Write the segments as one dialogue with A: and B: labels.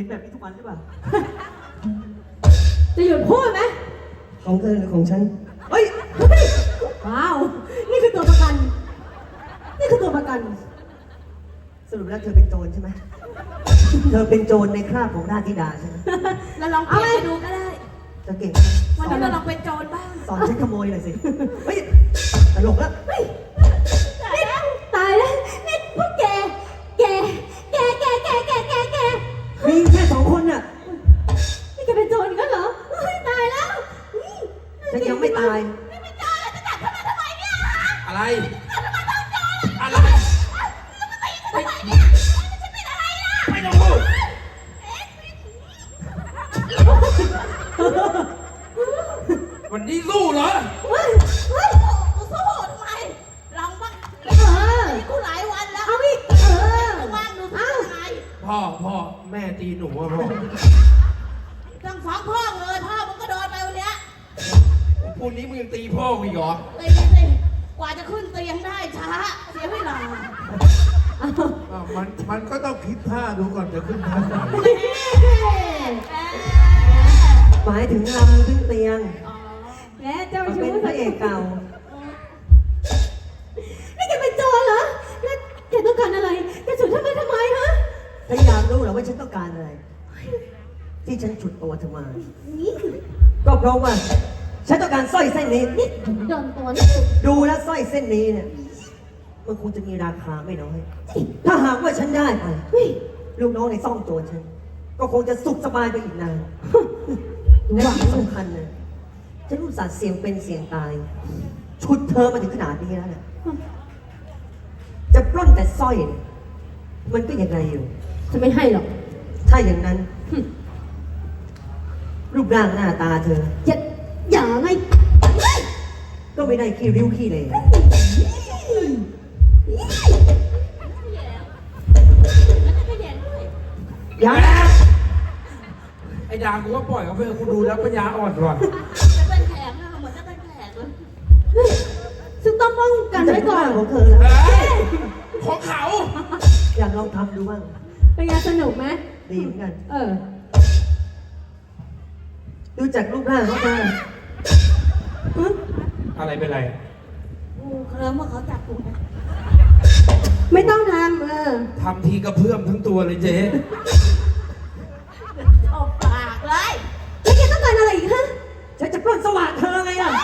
A: ห็นแบบนี้ทุกวันหรือเปล่า
B: จะหยุดพูดไหม
A: ของเธอหรือของฉัน เฮ้ย
B: ว้าว นี่คือตัวประกัน นี่คือตัวประกัน
A: สรุปแล้วเธอเป็นโจรใช่ไหม เธอเป็นโจรในคราบของราชธิดาใช่ไหม
C: เราลองเปลี่ยนไปดูก็ได้
A: เธอเก่ง
C: วันนี้เราลองเป็นโจรบ้าง
A: สอนฉันขโมยหน่อยสิ เฮ้ย ตลกแล้ว
B: ตายแล้วนี่พวกแก
A: มีแค่2 คนน่ะ
B: นี่แกเป็นโจรกันเหรอเฮ้ยตายแล้วนี่
A: ฉันยังไม่ตาย
D: อะไร อะไรไม่ต้องพูดวันนี้สู้เหรอ
B: เฮ้ย
C: กูสู้ทำไมลองบ้าง
B: เออ
C: กูหลายวันแล้ว
B: เอาอีก
C: ว่างดูทำไม
D: พ่อแม่ตีหนูอะพ่อ
C: ต้องฟ้องพ่อเลยพ่อมึงก็โดนไปวันเนี้ย
D: พรุ่งนี้มึงยังตีพ่อกูอีกเหรอ
C: ตีสิกว่าจะขึ้นเตียงได้ช้าเสียเวลา
E: มันก็ต้องคิดท่าดูก่อนจะขึ้นท่าไหน
A: หมายถึงลำขึ้นเตียง
B: แม่เจ้า
A: มัน
B: ชู้
A: เป็นพระเอกเก่า
B: นี่แกเป็นโจรเหรอแล้วแกต้องการอะไรแกฉุดทำไมฮะ
A: ถ้าอยากรู้เหรอว่าฉันต้องการอะไร ที่ฉันฉุดตัวเธอมา
B: นี่
A: ก็เพราะว่า ฉันต้องการสร้อยเส้นนี้
B: นี่โดนตัวนี่
A: ดูแล้วสร้อยเส้นนี้เนี่ย มันคงจะมีราคาไม่น้อย ถ้าหากว่าฉันได้ไป
B: เฮ้ย
A: ลูกน้องในซ่องโจรฉัน ก็คงจะสุขสบายไปอีกนานและที่สำคัญนะฉันรู้สึกเสี่ยงเป็นเสี่ยงตาย ชุดเธอมาถึงขนาดนี้แล้วเนี่ยจะปล้นแต่สร้อยเนี่ยมันก็ยังไงอยู่
B: จะไม่ให้หรอก
A: ถ้าอย่างนั้น รูปร่างหน้าตาเธอ
B: อย่าไง
A: ก็ไม่ได้ขี้ริ้วขี้เลยอย่า
D: ไอ้ดางกูว่าปล่อยเขาไปเถอะกูดูแล้วปัญญาอ่อนก่อน
C: จะเป็นแขกนะเหมือนจะเป็นแขกเลย
B: ซึ่งต้องป้องกันไว้ก่อน
A: ของเธอแล้ว
D: เฮ้ยของเขา
A: อยากลองทำดูบ้าง
B: เป็นไงสนุกไหม
A: ดีเหมือนกัน ดูจากรูปร่างเขาเธอ
D: อะไรเป็นไร
C: กูเคลิ้มว่าเขาจับกูนะ
B: ไม่ต้องทำ
D: ทำทีกระเพื่อมทั้งตัวเลยเจ๊
C: ออกปากเลย
B: แล้วแกต้องการอะไรอีกฮะ
A: ฉันจะปล้นสว่างเธอไงล่ะ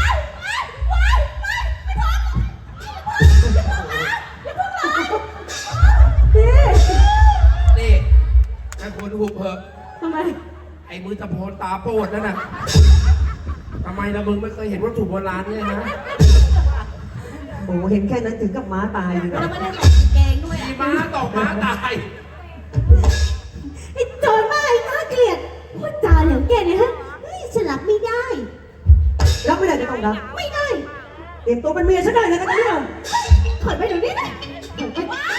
D: นี่ไอ้คนหุบเหอะ
B: ทำไม
D: ไอ้มือตะโพนตาโปดนั่นน่ะทำไมล่ะมึงไม่เคยเห็นวัตถุโบราณเนี่ยนะ
A: โอ้โหเห็นแค่นั้นถึงกับม้าตายเลย
C: แล้ว
A: นะ
C: ไม่ได้ใส่กางเกงด้วย
D: ขี่
C: อ่ะ
D: ม้าตกม้าตาย
B: ไอ้โจรบ้าไอ้น่าเกลียดพูดจาเหลวแกเนี่ยฮะเฮ้ยฉันรับไม่ได้
A: รับไม่ได้ก็ต้องรับ
B: ไม่ได้
A: เตรียมตัวเป็นเมียฉันได้เลยนะเนี่ย
B: ถอยไปเดี๋ยวนี้นะถอยไป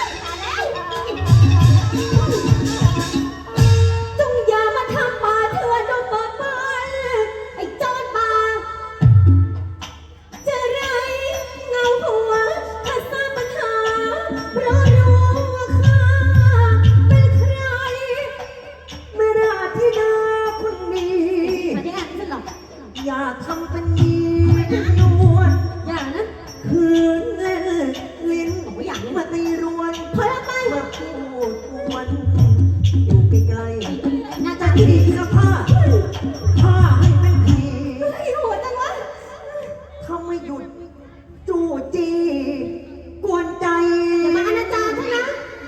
B: จงอย่ามาทำมาเถื่อนลงมาบ้านไอ้โจรบ้าจะไรเงาหัวถ้าสร้างปัญหาเพราะรู้ว่าข้าเป็นใคร
A: ไม่ราธิดาคนนี้
B: มาได้อ่านไม่ใช่หรอ
A: อย่าทำเป็นยีนวล
B: อย่านะ
A: คืนเล่นลิ้น
B: บอกว่าอย่าเลย
A: มาตีรวน
B: ถอยออกไป
A: มาพูดกวนอยู่ใกล้
B: หน้า
A: ๆ
B: ตา
A: จะ
B: ดี
A: ดีนะผ้าผ้าให้เป็นผี
B: ไอ้หัวจังวะ
A: ถ้าไม่หยุดจู้จีกวนใจ
B: อย่ามาอนาจารฉันนะ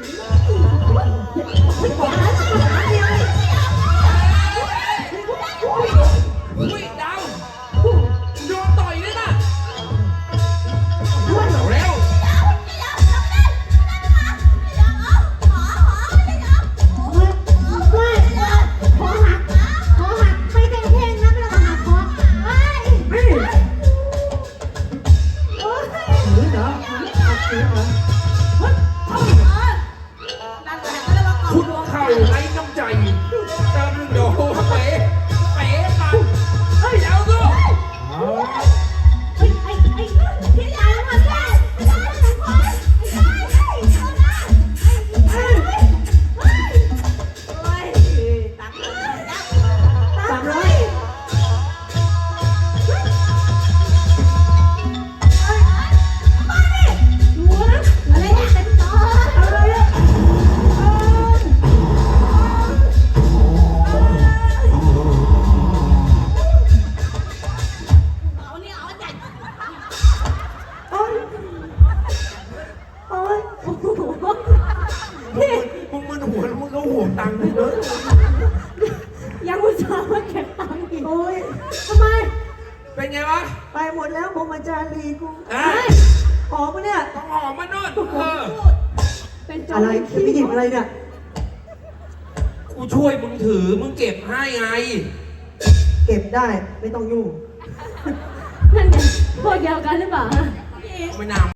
D: อุ้ยดาวโดนต่อยเลยนะเร็ว
B: ว่าขอหัก
D: ตังค์ให้เลย
B: ยังอุตส่าห์มาเก็บตังค์อีก
A: โอ้ย
B: ทำไม
D: เป็นไงวะ
A: ไปหมดแล้วผมอาจารย์ลีกู
D: เอ้ย
A: หอมปะเนี่ย
D: ต้องหอมมาโน่น
B: เป็นโจ
A: อะไร
B: ร
A: พี่ไม่หยิบอะไรเนี่ย
D: กูช่วยมึงถือ มึงเก็บให้ไง
A: เก็บได้ไม่ต้องยุ่ง
B: นั่นไงพวกเดียวกันหรือเปล่าฮะ
C: พี่เอง
D: ไม่น่า